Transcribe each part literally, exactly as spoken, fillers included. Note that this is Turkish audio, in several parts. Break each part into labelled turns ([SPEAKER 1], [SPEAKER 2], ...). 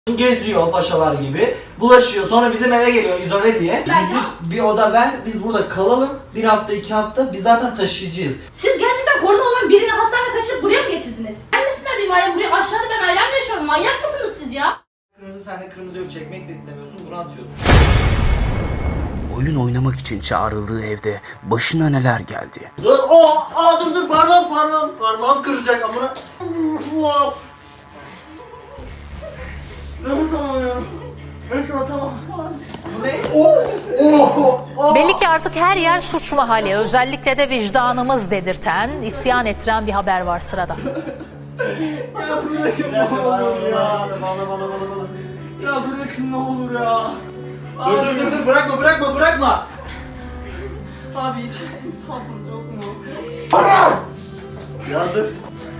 [SPEAKER 1] Geziyor paşalar gibi, bulaşıyor, sonra bizim eve geliyor izole diye. Bizi bir oda ver, biz burada kalalım, bir hafta iki hafta, biz zaten taşıyıcıyız.
[SPEAKER 2] Siz gerçekten korona olan birini hastaneye kaçırıp buraya mı getirdiniz? Gelmesinler benim ailem buraya, aşağıda ben ailemle yaşıyorum, manyak mısınız siz ya?
[SPEAKER 1] Kırmızı, sen de kırmızı yok, çekmek de istemiyorsun, bunu atıyorsun.
[SPEAKER 3] Oyun oynamak için çağrıldığı evde başına neler geldi?
[SPEAKER 4] Dur, o, aa dur dur parmağım parmağım parmağım kıracak amına.
[SPEAKER 1] Nefes alamıyorum. Nefes alamam.
[SPEAKER 2] Ne?
[SPEAKER 4] Oh, oh, oh.
[SPEAKER 5] Belli ki artık her yer suç mahalli. Özellikle de vicdanımız dedirten, isyan ettiren bir haber var sırada.
[SPEAKER 4] Ya bırakın ne olur ya.
[SPEAKER 1] Bana bana bana bana. Ya bırakın ne olur ya.
[SPEAKER 4] Dur dur dur dur bırakma bırakma bırakma.
[SPEAKER 1] Abi hiç insafınız yok mu?
[SPEAKER 4] Ya dur.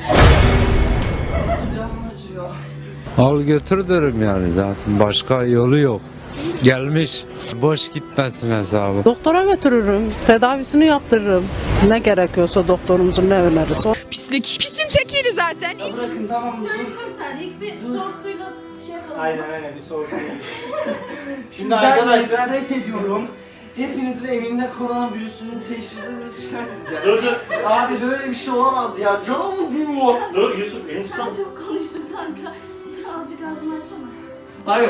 [SPEAKER 1] Nasıl canım acıyor?
[SPEAKER 6] Al götür derim yani, zaten başka yolu yok. Gelmiş, boş gitmesin hesabı.
[SPEAKER 7] Doktora götürürüm, tedavisini yaptırırım. Ne gerekiyorsa doktorumuzun ne önerirse.
[SPEAKER 8] Pislik. Pisin tekiydi zaten.
[SPEAKER 1] Ya bırakın tamam mı?
[SPEAKER 2] Çocuk çok terli, ilk bir soğuk suyla şey yapalım.
[SPEAKER 1] Aynen aynen bir soğuk değil. Şimdi arkadaşlar net ediyorum. Hepinizin evinde koronavirüsünün teşhisini şikayet edeceğim.
[SPEAKER 4] Dur dur.
[SPEAKER 1] Abi böyle bir şey olamaz ya. Canım acıyor.
[SPEAKER 4] Dur Yusuf elini
[SPEAKER 2] Sen
[SPEAKER 4] tutsana.
[SPEAKER 2] çok konuştun kanka. Azıcık ağzını açsana.
[SPEAKER 1] Hayır.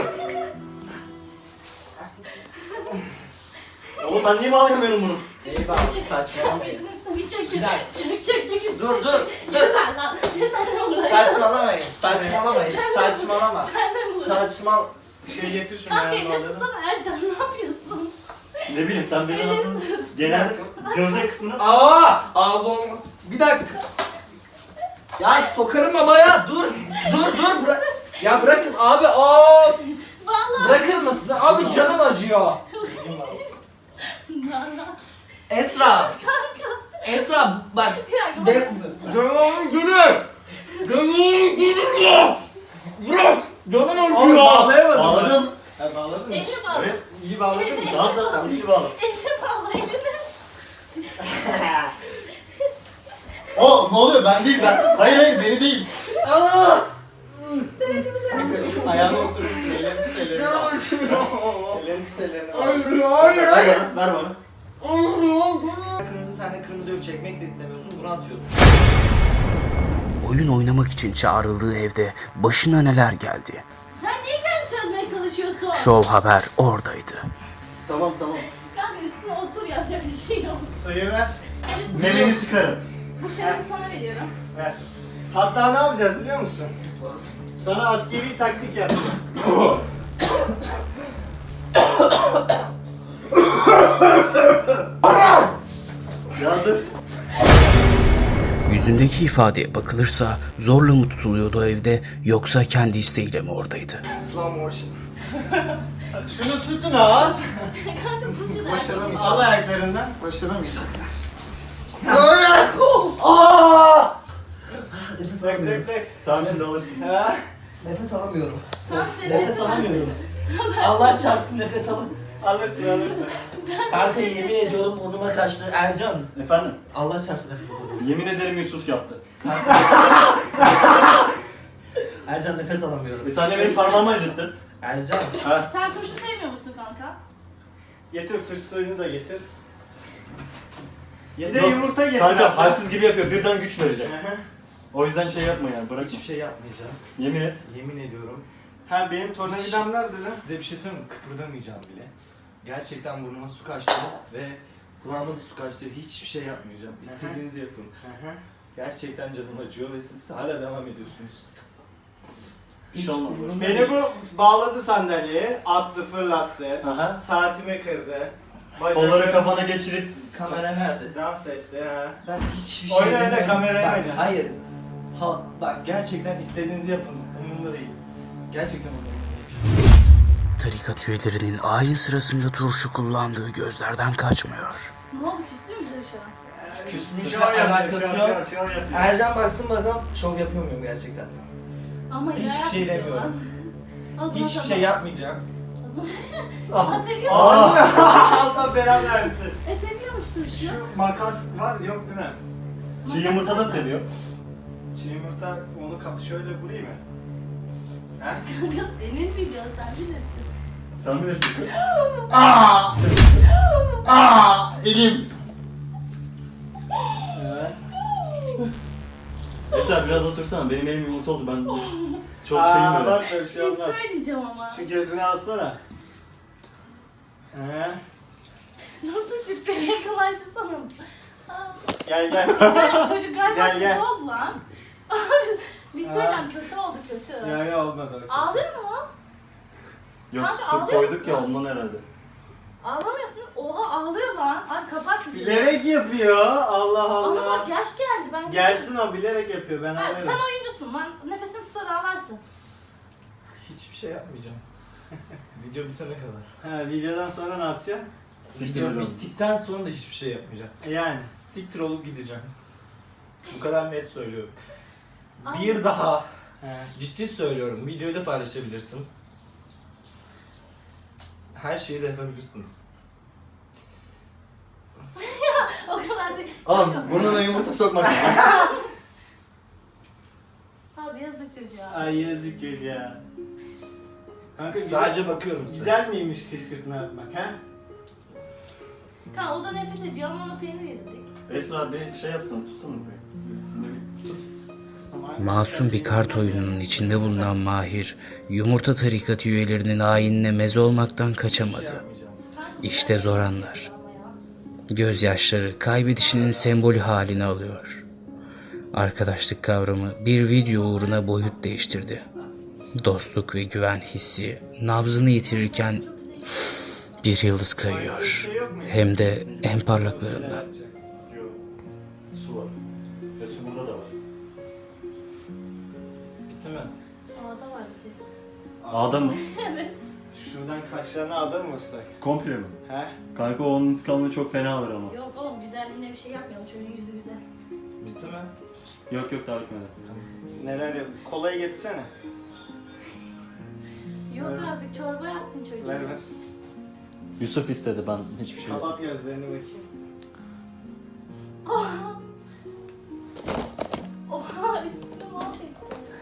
[SPEAKER 4] Oğlum ben niye bağlayamıyorum bunu?
[SPEAKER 1] Eyvah saçmalamayın.
[SPEAKER 2] Bir çek,
[SPEAKER 1] Bilal.
[SPEAKER 2] çek, çek, çek.
[SPEAKER 1] Dur, dur,
[SPEAKER 2] Yeter lan. Sen de bunu
[SPEAKER 1] Saçmalamayın. Saçmalamayın. Saçmalama.
[SPEAKER 2] Sen de bunu.
[SPEAKER 1] Saçmal. Şey getir şunu
[SPEAKER 2] Kanka
[SPEAKER 1] yanına
[SPEAKER 2] elini
[SPEAKER 1] alalım.
[SPEAKER 2] tutsana Ercan, ne yapıyorsun?
[SPEAKER 4] Ne bileyim sen beni anladın. Genel gövde kısmını.
[SPEAKER 1] Aa! Ağzı olmaz. Bir dakika. Ya sokarım ama ya. Dur. Dur dur. Bırak. Ya bırakın abi. Of.
[SPEAKER 2] Vallahi.
[SPEAKER 1] Bırakır mısın? Abi canım acıyor.
[SPEAKER 2] Vallahi.
[SPEAKER 1] Esra. Esra bak.
[SPEAKER 2] Bir dakika,
[SPEAKER 1] De
[SPEAKER 2] bak.
[SPEAKER 1] Canım gülür. Canım gülür ya. Bırak. Canım acıyor.
[SPEAKER 4] Oğlum
[SPEAKER 1] Bağlayamadım.
[SPEAKER 4] Bağladım.
[SPEAKER 1] Ha, bağladın mı?
[SPEAKER 2] Elini bağla.
[SPEAKER 4] Evet.
[SPEAKER 1] İyi bağladın mı?
[SPEAKER 4] Tamam tamam iyi bağla.
[SPEAKER 2] Elini bağla, elini.
[SPEAKER 4] O ne oluyor ben değil ben. Hayır hayır beni değil.
[SPEAKER 1] Aa!
[SPEAKER 2] Sen hepimize yapıyorsun.
[SPEAKER 1] Ayağına oturursun. Ellerini tut ellerini. Canım acıyor. Ellerini tut ellerini. Hayır hayır
[SPEAKER 4] Ver bana ver bana.
[SPEAKER 1] Kırmızı, sen de kırmızı yok, çekmek de istemiyorsun, bunu atıyorsun.
[SPEAKER 3] Oyun oynamak için çağrıldığı evde başına neler geldi?
[SPEAKER 2] Sen niye kendi çözmeye çalışıyorsun?
[SPEAKER 3] Show Haber oradaydı.
[SPEAKER 4] Tamam tamam.
[SPEAKER 2] Kanka üstüne otur, yapacak bir şey yok.
[SPEAKER 1] Suyu ver.
[SPEAKER 2] Üstüne-
[SPEAKER 4] Memeni sıkarım.
[SPEAKER 2] Bu şerefi sana veriyorum.
[SPEAKER 1] Ver. Hatta ne yapacağız biliyor musun? Sana askeri taktik yapacağım.
[SPEAKER 4] Ya dur.
[SPEAKER 3] Yüzündeki ifadeye bakılırsa zorla mı tutuluyordu o evde, yoksa kendi isteğiyle mi oradaydı?
[SPEAKER 1] Slow motion. Şunu tutun ağız.
[SPEAKER 2] Kanka tut şunu.
[SPEAKER 1] Başaramayacağım. Al ayaklarından.
[SPEAKER 4] Başaramayacağım.
[SPEAKER 1] Aaa!
[SPEAKER 4] Nefes
[SPEAKER 1] Tek
[SPEAKER 4] alamıyorum.
[SPEAKER 1] tek tek.
[SPEAKER 4] Tamam şimdi alırsın.
[SPEAKER 1] Ha?
[SPEAKER 4] Nefes alamıyorum.
[SPEAKER 2] Tamam, seni
[SPEAKER 1] Nefes alamıyorum. Allah çarpsın nefes alın. Alırsın alırsın. Kanka yemin ediyorum burnuma kaçtı. Ercan.
[SPEAKER 4] Efendim?
[SPEAKER 1] Allah çarpsın nefes alamıyorum.
[SPEAKER 4] Yemin ederim Yusuf yaptı.
[SPEAKER 1] Ercan nefes alamıyorum.
[SPEAKER 4] E sen de benim parmağımı acıttın.
[SPEAKER 1] Ercan.
[SPEAKER 4] Ha?
[SPEAKER 2] Sen turşu sevmiyor musun kanka?
[SPEAKER 1] Getir turşu suyunu da getir. Bir
[SPEAKER 4] Yok,
[SPEAKER 1] de yumurta getir.
[SPEAKER 4] Kanka halsiz gibi yapıyor birden güç verecek.
[SPEAKER 1] Hı hı.
[SPEAKER 4] O yüzden şey yapma yani bırak.
[SPEAKER 1] Hiçbir şey yapmayacağım.
[SPEAKER 4] Yemin et.
[SPEAKER 1] Yemin ediyorum. Ha benim tornavidam nerede lan? Size bir şey söyleyeyim mi? Kıpırdamayacağım bile. Gerçekten burnuma su kaçtı ve kulağıma da su kaçtı. Hiçbir şey yapmayacağım. İstediğinizi yapın. Gerçekten canım acıyor ve siz hala devam ediyorsunuz.
[SPEAKER 4] Bir şey olmaz.
[SPEAKER 9] Beni bu bağladı sandalyeye, attı, fırlattı,
[SPEAKER 4] Aha.
[SPEAKER 9] saatimi kırdı,
[SPEAKER 4] Kolları kafana geçirip
[SPEAKER 1] Kamera nerede?
[SPEAKER 9] dans etti ha.
[SPEAKER 1] Ben hiçbir şey
[SPEAKER 9] Oyna oyna,
[SPEAKER 1] demiyorum.
[SPEAKER 9] kameraya
[SPEAKER 1] Bak,
[SPEAKER 9] oyna.
[SPEAKER 1] hayır. Ha, bak gerçekten istediğinizi yapın. Umurumda değil. Gerçekten umurumda değil.
[SPEAKER 3] Tarikat üyelerinin ayin sırasında turşu kullandığı gözlerden kaçmıyor.
[SPEAKER 2] Ne oldu, küstü mü bize şu an?
[SPEAKER 1] Küsmüş
[SPEAKER 9] Şov yapıyor,
[SPEAKER 1] alakası
[SPEAKER 9] şov,
[SPEAKER 1] yok.
[SPEAKER 9] şov, şov yapıyor.
[SPEAKER 1] Ercan baksın bakalım şov yapıyor muyum gerçekten?
[SPEAKER 2] Ama
[SPEAKER 1] Hiçbir
[SPEAKER 2] ilahi
[SPEAKER 1] şey
[SPEAKER 2] yapıyor
[SPEAKER 1] demiyorum.
[SPEAKER 2] lan. O zaman
[SPEAKER 1] Hiçbir
[SPEAKER 2] tamam.
[SPEAKER 1] şey yapmayacağım.
[SPEAKER 2] Aa, seviyor
[SPEAKER 9] Aa,
[SPEAKER 2] musun?
[SPEAKER 9] Allah belanı versin.
[SPEAKER 2] E seviyormuş turşu.
[SPEAKER 9] Şu makas var yok değil mi?
[SPEAKER 4] çiğ yumurta da seviyor.
[SPEAKER 9] Çiğ yumurta onu kapı şöyle vurayım mı?
[SPEAKER 2] Kanka senin videon sen bilirsin.
[SPEAKER 4] Sen bilirsin. Aa! Aa! Elim.
[SPEAKER 1] Evet.
[SPEAKER 4] Mesela biraz otursana. Benim elim yumurta oldu. Ben çok
[SPEAKER 9] Aa,
[SPEAKER 4] şeyim böyle.
[SPEAKER 9] bak böyle bir şey
[SPEAKER 2] Bir
[SPEAKER 9] olmaz.
[SPEAKER 2] söyleyeceğim ama.
[SPEAKER 9] Şu gözünü alsana. He.
[SPEAKER 2] Nasıl tipi yakalaşırsana.
[SPEAKER 9] Gel gel.
[SPEAKER 2] Çocuk galiba
[SPEAKER 9] Gel,
[SPEAKER 2] kötü
[SPEAKER 9] gel.
[SPEAKER 2] oldu lan. Bir söyleyeceğim kötü oldu kötü.
[SPEAKER 9] Ya ya olmadı. o.
[SPEAKER 2] Ağlıyor mu?
[SPEAKER 4] Yok
[SPEAKER 2] Kanka,
[SPEAKER 4] su
[SPEAKER 2] ağlıyor
[SPEAKER 4] koyduk
[SPEAKER 2] musun?
[SPEAKER 4] ya ondan herhalde.
[SPEAKER 2] Ağlamıyorsun. Oha ağlıyor lan. Ay kapat.
[SPEAKER 9] Bilerek yapıyor. Allah
[SPEAKER 2] Ama bak
[SPEAKER 9] Allah.
[SPEAKER 2] yaş geldi. Ben
[SPEAKER 9] Gelsin o bilerek yapıyor. Ben
[SPEAKER 2] Ha,
[SPEAKER 9] anlarım.
[SPEAKER 2] sen oyuncusun lan. Nefesini tutar ağlarsın.
[SPEAKER 1] Hiçbir şey yapmayacağım. Video bitene kadar.
[SPEAKER 9] Ha, videodan sonra ne yapacaksın?
[SPEAKER 4] Siktir
[SPEAKER 1] Video
[SPEAKER 4] oğlum.
[SPEAKER 1] bittikten sonra da hiçbir şey yapmayacağım.
[SPEAKER 9] Yani.
[SPEAKER 1] Siktir olup gideceğim. Bu kadar net söylüyorum.
[SPEAKER 2] Ay.
[SPEAKER 1] Bir daha
[SPEAKER 9] He.
[SPEAKER 1] ciddi söylüyorum. Videoyu da paylaşabilirsin. Her şeyi de yapabilirsiniz.
[SPEAKER 2] O kadar değil.
[SPEAKER 4] Oğlum burnuna yumurta sokmak.
[SPEAKER 2] Abi yazık çocuğa.
[SPEAKER 9] Ay yazık çocuğa. Kanka
[SPEAKER 1] Sadece
[SPEAKER 9] güzel,
[SPEAKER 1] bakıyorum size.
[SPEAKER 9] güzel miymiş kışkırtma yapmak ha?
[SPEAKER 2] Kanka o da nefret ediyor ama ona peynir yedirdik.
[SPEAKER 4] Esra bir şey yapsana. Tutsana burayı.
[SPEAKER 9] Tamam.
[SPEAKER 3] Masum bir kart oyununun içinde bulunan Mahir, yumurta tarikatı üyelerinin ayinine meze olmaktan kaçamadı. İşte zor anlar. Gözyaşları kaybedişinin sembolü halini alıyor. Arkadaşlık kavramı bir video uğruna boyut değiştirdi. Dostluk ve güven hissi nabzını yitirirken bir yıldız kayıyor. Hem de en parlaklarından.
[SPEAKER 4] Yok. Su var. Ve su burada da var.
[SPEAKER 1] Bitti mi?
[SPEAKER 2] Ağda var bir tek.
[SPEAKER 4] Ağda mı?
[SPEAKER 9] Şuradan kaşlarına adam mı vursak?
[SPEAKER 4] Komple mi?
[SPEAKER 9] He?
[SPEAKER 4] Kanka onun intikamını çok fena alır ama.
[SPEAKER 2] Yok oğlum güzelliğine bir şey yapmayalım. Çocuğun yüzü güzel.
[SPEAKER 1] Bitti mi?
[SPEAKER 4] Yok yok daha bitmedi.
[SPEAKER 9] Neler yap? Kolayı getirsene.
[SPEAKER 2] Yok artık çorba yaptın çocuğa.
[SPEAKER 9] Ver ver.
[SPEAKER 4] Yusuf istedi ben hiçbir şey yok.
[SPEAKER 9] Kapat gözlerini bakayım.
[SPEAKER 2] Oha. Oha üstüne mahvettim.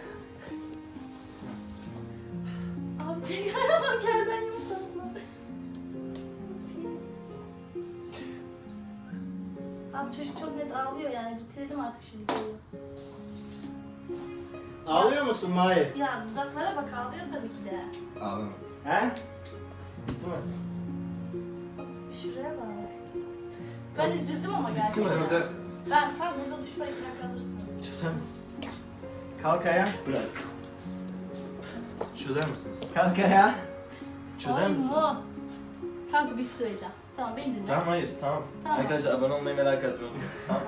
[SPEAKER 2] Abi tekrar bak yerden yumurtalar. Pis. Abi çocuk çok net ağlıyor yani bitirelim artık şu videoyu.
[SPEAKER 9] Ağlıyor musun Mahir?
[SPEAKER 2] Ya dudaklara bak ağlıyor tabii ki de.
[SPEAKER 1] Ağlama.
[SPEAKER 9] He?
[SPEAKER 1] Bitti mi?
[SPEAKER 2] Şuraya bak. Ben üzüldüm ama
[SPEAKER 1] Bitti
[SPEAKER 2] gerçekten.
[SPEAKER 1] mi? Orada
[SPEAKER 2] Ben kalk burada duş var iki dakika alırsın.
[SPEAKER 1] çözer misiniz?
[SPEAKER 9] Kalk ayağa.
[SPEAKER 4] Bırak.
[SPEAKER 1] Çözer misiniz?
[SPEAKER 9] Kalk ayağa.
[SPEAKER 1] Çözer
[SPEAKER 2] Ay,
[SPEAKER 1] misiniz?
[SPEAKER 2] mu. Kanka bir şey söyleyeceğim. Tamam beni dinle.
[SPEAKER 1] Tamam hayır tamam.
[SPEAKER 2] Tamam.
[SPEAKER 1] Arkadaşlar abone olmayı merak etmeyin. Tamam.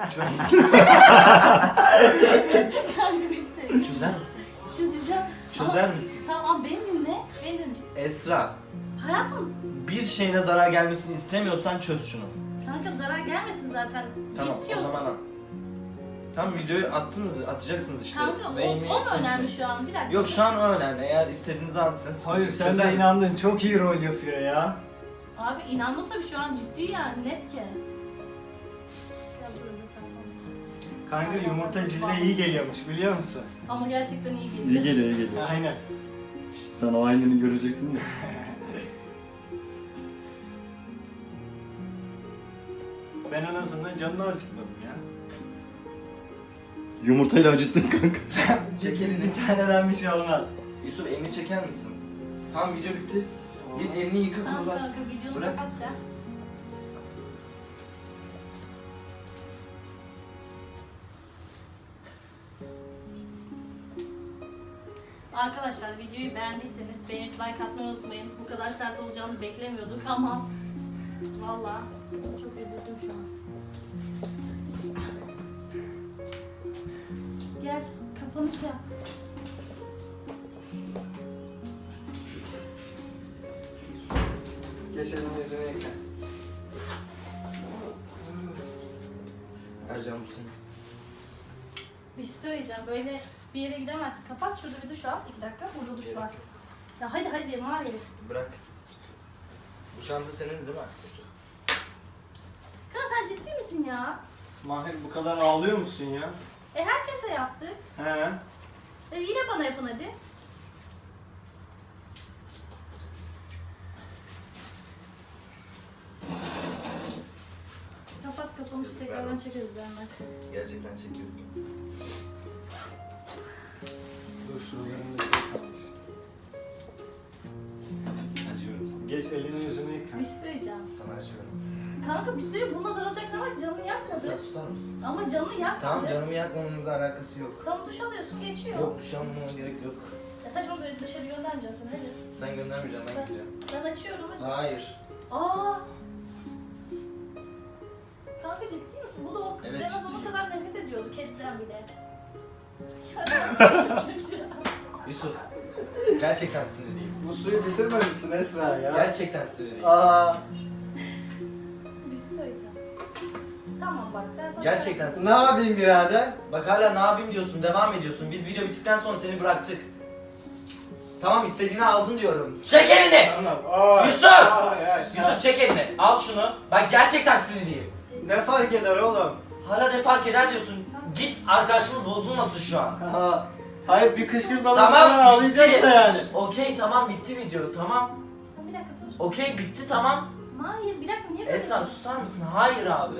[SPEAKER 2] Kanka bir şey söyleyeceğim.
[SPEAKER 1] Çözer misin?
[SPEAKER 2] Çözeceğim.
[SPEAKER 1] Çözer
[SPEAKER 2] Ama-
[SPEAKER 1] misin?
[SPEAKER 2] Tamam beni dinle. Beni dinle.
[SPEAKER 1] Esra,
[SPEAKER 2] Hayatım.
[SPEAKER 1] bir şeyine zarar gelmesini istemiyorsan çöz şunu.
[SPEAKER 2] Kanka zarar gelmesin zaten.
[SPEAKER 1] Tamam
[SPEAKER 2] Yetkiyor.
[SPEAKER 1] o zaman al. Tamam videoyu attınız, atacaksınız işte.
[SPEAKER 2] Kanka o,
[SPEAKER 1] Beğenmeyi
[SPEAKER 2] o mu önemli
[SPEAKER 1] unutmayın.
[SPEAKER 2] şu an? Bir dakika.
[SPEAKER 1] Yok şu an o önemli. Eğer istediğinizi aldıysanız
[SPEAKER 9] Hayır
[SPEAKER 1] sıkıntı
[SPEAKER 9] sen
[SPEAKER 1] yok. Çözer
[SPEAKER 9] de
[SPEAKER 1] misin?
[SPEAKER 9] inandın. Çok iyi rol yapıyor ya.
[SPEAKER 2] Abi inandım tabii şu an ciddi yani net ki. Gel buraya tamam.
[SPEAKER 9] Kanka yumurta cilde iyi geliyormuş biliyor musun?
[SPEAKER 2] Ama gerçekten iyi geliyor.
[SPEAKER 4] İyi geliyor iyi geliyor.
[SPEAKER 9] Aynen.
[SPEAKER 4] Sen o aynını göreceksin de.
[SPEAKER 9] Ben en azından canını acıtmadım ya.
[SPEAKER 4] Yumurtayla acıttın kanka.
[SPEAKER 1] Çek elini.
[SPEAKER 9] Bir taneden bir şey olmaz.
[SPEAKER 1] Yusuf elini çeker misin? Tamam video bitti. Git elini yıka
[SPEAKER 2] Tamam
[SPEAKER 1] kurulat.
[SPEAKER 2] kanka videonu
[SPEAKER 1] Bırak.
[SPEAKER 2] kapat sen. Arkadaşlar videoyu beğendiyseniz beğenip like atmayı unutmayın. Bu kadar sert olacağını beklemiyorduk ama vallahi çok üzüldüm şu an. Gel kapanış yap.
[SPEAKER 9] Geçelim yüzüne yıka.
[SPEAKER 1] Ercan bu senin.
[SPEAKER 2] Bir şey söyleyeceğim. Böyle bir yere gidemezsin. Kapat şurada bir duş al. İki dakika. Burada duş var. Ya hadi hadi var ya.
[SPEAKER 1] Bırak. Bu çanta senin değil mi? Yusuf?
[SPEAKER 2] Kanka sen ciddi misin ya?
[SPEAKER 9] Mahir bu kadar ağlıyor musun ya?
[SPEAKER 2] E herkese yaptık.
[SPEAKER 9] He.
[SPEAKER 2] E yine bana yapın hadi. Tamam işte tekrardan çekeriz ben.
[SPEAKER 1] Gerçekten çekiyorsunuz.
[SPEAKER 9] Dur şuralarını da yıka.
[SPEAKER 1] Acıyorum sana.
[SPEAKER 9] Geç elini yüzünü yıka.
[SPEAKER 2] Bir şey söyleyeceğim.
[SPEAKER 1] Sana acıyorum.
[SPEAKER 2] Kanka bir şey söyleyeyim. Buna dalacak ne var? Canını yakmadı.
[SPEAKER 1] Sen susar mısın?
[SPEAKER 2] Ama canını yakmadı.
[SPEAKER 1] Tamam, canımı yakmamamızla alakası yok.
[SPEAKER 2] Tamam duş alıyorsun geçiyor.
[SPEAKER 1] Yok, şu an buna gerek yok.
[SPEAKER 2] Ya saçma böyle dışarı göndermeyeceğim seni hadi.
[SPEAKER 1] Sen göndermeyeceksin, ben gideceğim.
[SPEAKER 2] Ben açıyorum hadi.
[SPEAKER 1] Hayır.
[SPEAKER 2] Aa. Kanka ciddi misin? Bu da o
[SPEAKER 1] Evet,
[SPEAKER 2] en az
[SPEAKER 1] ciddiyim.
[SPEAKER 2] o kadar nefret ediyordu kediden bile.
[SPEAKER 1] Yusuf, gerçekten sinirliyim.
[SPEAKER 9] Bu suyu bitirmemişsin Esra ya.
[SPEAKER 1] Gerçekten sinirliyim.
[SPEAKER 9] Aa,
[SPEAKER 2] Bir şey söyleyeceğim. Tamam bak ben sana...
[SPEAKER 1] Gerçekten
[SPEAKER 9] ne
[SPEAKER 1] sinirliyim.
[SPEAKER 9] yapayım birader?
[SPEAKER 1] Bak hala ne yapayım diyorsun, devam ediyorsun. Biz video bittikten sonra seni bıraktık. Tamam, istediğini aldın diyorum. Çek elini!
[SPEAKER 9] Tamam. Aa,
[SPEAKER 1] Yusuf!
[SPEAKER 9] aa, ya,
[SPEAKER 1] Yusuf çek elini, al şunu. Bak gerçekten sinirliyim.
[SPEAKER 9] Ne fark eder oğlum?
[SPEAKER 1] Hala ne fark eder diyorsun. Git, arkadaşımız bozulmasın şu an.
[SPEAKER 9] Aha. Hayır bir kışkırtmadan
[SPEAKER 1] Tamam,
[SPEAKER 9] falan ağlayacaksın
[SPEAKER 1] bitti.
[SPEAKER 9] yani.
[SPEAKER 1] Okey, tamam, bitti video, tamam.
[SPEAKER 2] Bir dakika dur.
[SPEAKER 1] Okey, bitti, tamam.
[SPEAKER 2] Hayır bir dakika niye böyle?
[SPEAKER 1] Esra susar mısın? Hayır abi.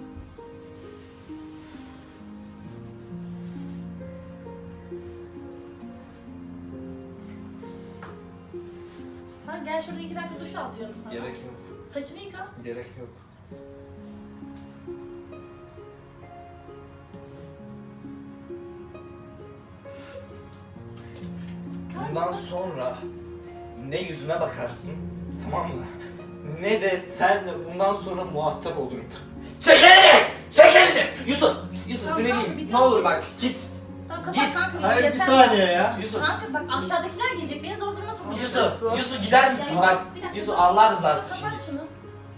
[SPEAKER 2] Kanka gel şurada iki dakika duş al diyorum sana.
[SPEAKER 1] Gerek yok.
[SPEAKER 2] Saçını yıka.
[SPEAKER 1] Gerek yok. Bundan sonra ne yüzüme bakarsın, tamam mı? Ne de senle bundan sonra muhatap olurum. Çek elini! Çek elini! Yusuf! Yusuf
[SPEAKER 2] Tamam,
[SPEAKER 1] sinirliyim.
[SPEAKER 2] tamam, bir
[SPEAKER 1] Ne
[SPEAKER 2] dakika.
[SPEAKER 1] olur bak git.
[SPEAKER 2] Tamam kapat
[SPEAKER 1] Git.
[SPEAKER 2] kanka.
[SPEAKER 9] Hayır bir
[SPEAKER 2] yeter.
[SPEAKER 9] saniye ya.
[SPEAKER 1] Yusuf!
[SPEAKER 2] Kanka bak aşağıdakiler gelecek. Beni zor duruma sokacaksın.
[SPEAKER 1] Yusuf! Yusuf gider misin?
[SPEAKER 2] Ya,
[SPEAKER 1] Bak
[SPEAKER 2] bir dakika,
[SPEAKER 1] Yusuf
[SPEAKER 2] dur.
[SPEAKER 1] Allah rızası için
[SPEAKER 2] Kapat
[SPEAKER 1] git.
[SPEAKER 2] şunu.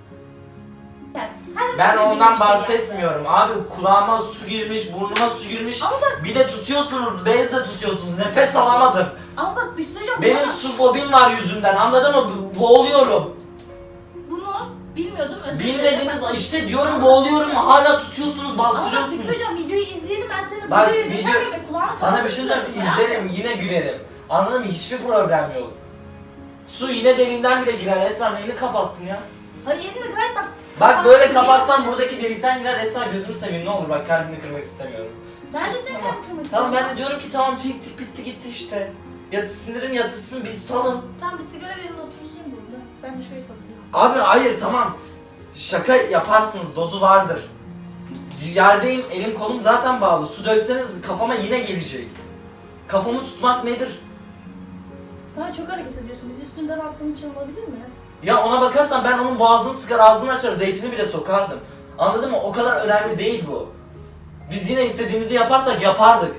[SPEAKER 2] Her
[SPEAKER 1] Ben
[SPEAKER 2] seferinde
[SPEAKER 1] ondan
[SPEAKER 2] bir şey
[SPEAKER 1] bahsetmiyorum. Abi kulağıma su girmiş, burnuma su girmiş.
[SPEAKER 2] Ama bak-
[SPEAKER 1] Bir de tutuyorsunuz, bezle tutuyorsunuz. Nefes alamadım.
[SPEAKER 2] yaptı. Ama bak bir şey söyleyeceğim.
[SPEAKER 1] Benim
[SPEAKER 2] Buna-
[SPEAKER 1] su fobim var yüzünden. Anladın mı? Bo- Boğuluyorum.
[SPEAKER 2] Bunu bilmiyordum. Özür dilerim.
[SPEAKER 1] Bilmediğiniz işte diyorum boğuluyorum. Hala tutuyorsunuz,
[SPEAKER 2] Ama bak bir şey
[SPEAKER 1] bastırıyorsunuz.
[SPEAKER 2] söyleyeceğim. Videoyu izleyelim. Ben senin
[SPEAKER 1] Bak,
[SPEAKER 2] videoyu
[SPEAKER 1] video-
[SPEAKER 2] dinler miyim? Kulağını
[SPEAKER 1] Sana bir şey söyleyeyim. İzlerim, yine gülerim. Anladın mı? Hiçbir problem yok. Su yine deliğinden bile girer. Esra neyini kapattın ya?
[SPEAKER 2] Hayır elini gayet bak.
[SPEAKER 1] Bak böyle
[SPEAKER 2] Kapattın,
[SPEAKER 1] kapatsam
[SPEAKER 2] değil mi?
[SPEAKER 1] buradaki delikten girer. Esra gözümü seveyim ne olur bak kalbini kırmak istemiyorum.
[SPEAKER 2] Ben de
[SPEAKER 1] Sus,
[SPEAKER 2] seni
[SPEAKER 1] tamam.
[SPEAKER 2] kalp kırmak
[SPEAKER 1] Tamam ben
[SPEAKER 2] istiyorum.
[SPEAKER 1] de diyorum ki tamam çektik bitti gitti işte. Yat, sinirim yatırsın bir salın.
[SPEAKER 2] Tamam bir sigara verin otursun burada. Ben de şöyle toplayayım.
[SPEAKER 1] Abi hayır tamam. Şaka yaparsınız dozu vardır. Yerdeyim elim kolum zaten bağlı. Su dökseniz kafama yine gelecek. Kafamı tutmak nedir?
[SPEAKER 2] Bana çok hareket ediyorsun. Bizi üstünden attığın için olabilir mi?
[SPEAKER 1] Ya ona bakarsan ben onun boğazını sıkar ağzını açar zeytini bile sokardım. Anladın mı? O kadar önemli değil bu. Biz yine istediğimizi yaparsak yapardık.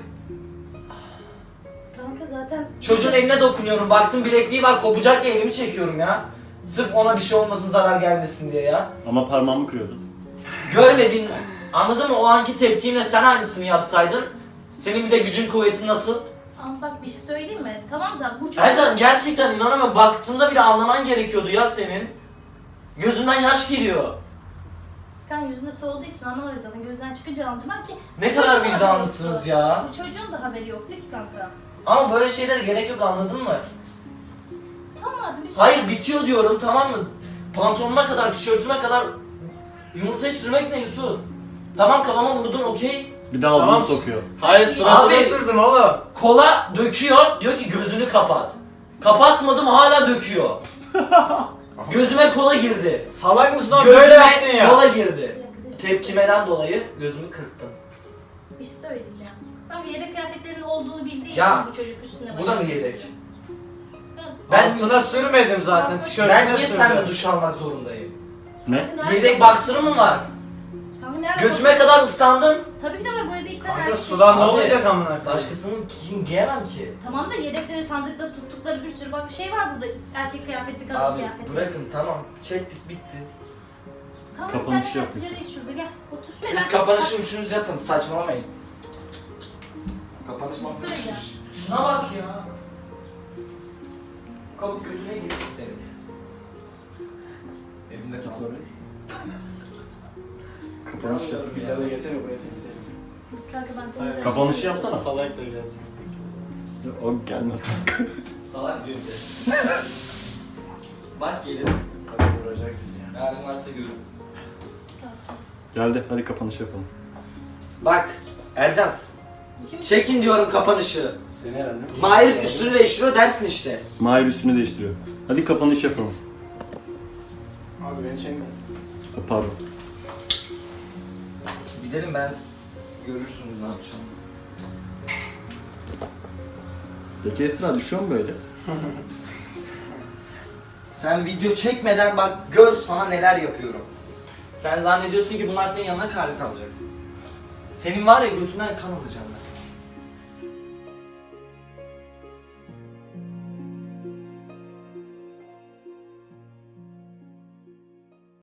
[SPEAKER 2] Kanka zaten...
[SPEAKER 1] Çocuğun eline dokunuyorum. Baktım bilekliği var kopacak diye elimi çekiyorum ya. Sırf ona bir şey olmasın zarar gelmesin diye ya.
[SPEAKER 10] Ama parmağımı kırıyordun.
[SPEAKER 1] Görmedin. Anladın mı? O anki tepkimle sen aynısını yapsaydın. Senin bir de gücün kuvvetin nasıl?
[SPEAKER 2] Ama bak bir şey söyleyeyim mi? Tamam da bu çok...
[SPEAKER 1] Ercan gerçekten inanamıyorum. Baktığımda bile anlaman gerekiyordu ya senin. Gözünden yaş geliyor.
[SPEAKER 2] Kan yüzünde soğuduğu için anlamadı zaten. Gözden çıkınca anladım ben ki...
[SPEAKER 1] Ne
[SPEAKER 2] bu çocuğun
[SPEAKER 1] kadar
[SPEAKER 2] da haberi
[SPEAKER 1] vicdanlısınız
[SPEAKER 2] yoktu.
[SPEAKER 1] ya.
[SPEAKER 2] Bu çocuğun da haberi yoktu ki kanka.
[SPEAKER 1] Ama böyle şeylere gerek yok anladın mı?
[SPEAKER 2] Tamam hadi bir şey...
[SPEAKER 1] Hayır bitiyor diyorum tamam mı? Pantolonuma kadar, tişörtüme kadar yumurtayı sürmek ne Yusuf? Tamam kafama vurdun okey.
[SPEAKER 10] Bir de ağzını
[SPEAKER 9] Tamam.
[SPEAKER 10] sokuyor.
[SPEAKER 9] Hayır suratına
[SPEAKER 1] Abi-
[SPEAKER 9] sürdüm oğlum.
[SPEAKER 1] Kola döküyor, diyor ki gözünü kapat. Kapatmadım hala döküyor. Gözüme kola girdi.
[SPEAKER 9] Salak mısın oğlum? Böyle yaptın
[SPEAKER 1] Gözüme
[SPEAKER 9] ya.
[SPEAKER 1] kola girdi. Tepkimeden dolayı gözümü kırptım.
[SPEAKER 2] Bir şey söyleyeceğim. Ben yedek kıyafetlerinin olduğunu bildiği
[SPEAKER 1] Ya,
[SPEAKER 2] için bu çocuk üstüne
[SPEAKER 1] Bu da mı yedek?
[SPEAKER 2] Ben...
[SPEAKER 1] Ben-
[SPEAKER 9] Altına sürmedim zaten
[SPEAKER 2] Altına-
[SPEAKER 9] tişörtüne
[SPEAKER 1] Ben niye
[SPEAKER 9] sürdüm.
[SPEAKER 1] seninle duş almak zorundayım?
[SPEAKER 10] Ne?
[SPEAKER 1] Yedek boxer'ım mı var?
[SPEAKER 2] Kanka ne alaka?
[SPEAKER 1] Götüme kadar ıslandım.
[SPEAKER 2] Tabii ki de var. Bu evde iki tane
[SPEAKER 9] Kanka
[SPEAKER 2] erkek
[SPEAKER 9] sudan ne
[SPEAKER 1] Abi,
[SPEAKER 9] olacak amına koyayım?
[SPEAKER 1] Başkasının giyin giyemem ki.
[SPEAKER 2] Tamam da yedekleri sandıkta tuttukları bir sürü bak şey var burada erkek kıyafeti, kadın
[SPEAKER 1] Abi
[SPEAKER 2] kıyafeti.
[SPEAKER 1] bırakın tamam çektik bitti.
[SPEAKER 2] Tamam,
[SPEAKER 10] Kapanışı
[SPEAKER 2] bir tane
[SPEAKER 10] yapıyorsun.
[SPEAKER 2] sigara iç şurada gel otur.
[SPEAKER 1] Siz kapanışı üçünüz yapın saçmalamayın. Kapanış
[SPEAKER 2] Bir şey söyleyeceğim.
[SPEAKER 1] Şuna bak ya. Kapı götüne girsin senin. Elimde kaldı.
[SPEAKER 10] Kapanış yap.
[SPEAKER 1] Güzel getir buraya temizleyelim.
[SPEAKER 2] Kanka ben
[SPEAKER 9] Hayır.
[SPEAKER 2] temizlerim.
[SPEAKER 10] Kapanışı yapsana.
[SPEAKER 9] Salak da geldi.
[SPEAKER 10] O gelmez.
[SPEAKER 1] Salak diyor bize. Bak gelin. Kapı vuracak bizi ya. Nereden varsa görün.
[SPEAKER 10] Geldi. Hadi kapanış yapalım.
[SPEAKER 11] Bak Ercan, çekin diyorum kapanışı.
[SPEAKER 1] Seni herhalde.
[SPEAKER 11] Mahir üstünü değiştiriyor dersin işte.
[SPEAKER 10] Mahir üstünü değiştiriyor. Hadi kapanış yapalım.
[SPEAKER 1] Abi beni çekme.
[SPEAKER 10] Ha, pardon.
[SPEAKER 11] Gidelim, ben görürsünüz ne yapacağım.
[SPEAKER 10] Peki Esra düşüyor mu böyle?
[SPEAKER 11] Sen video çekmeden bak gör sana neler yapıyorum. Sen zannediyorsun ki bunlar senin yanına kârı kalacak. Senin var ya götünden kan alacağım ben.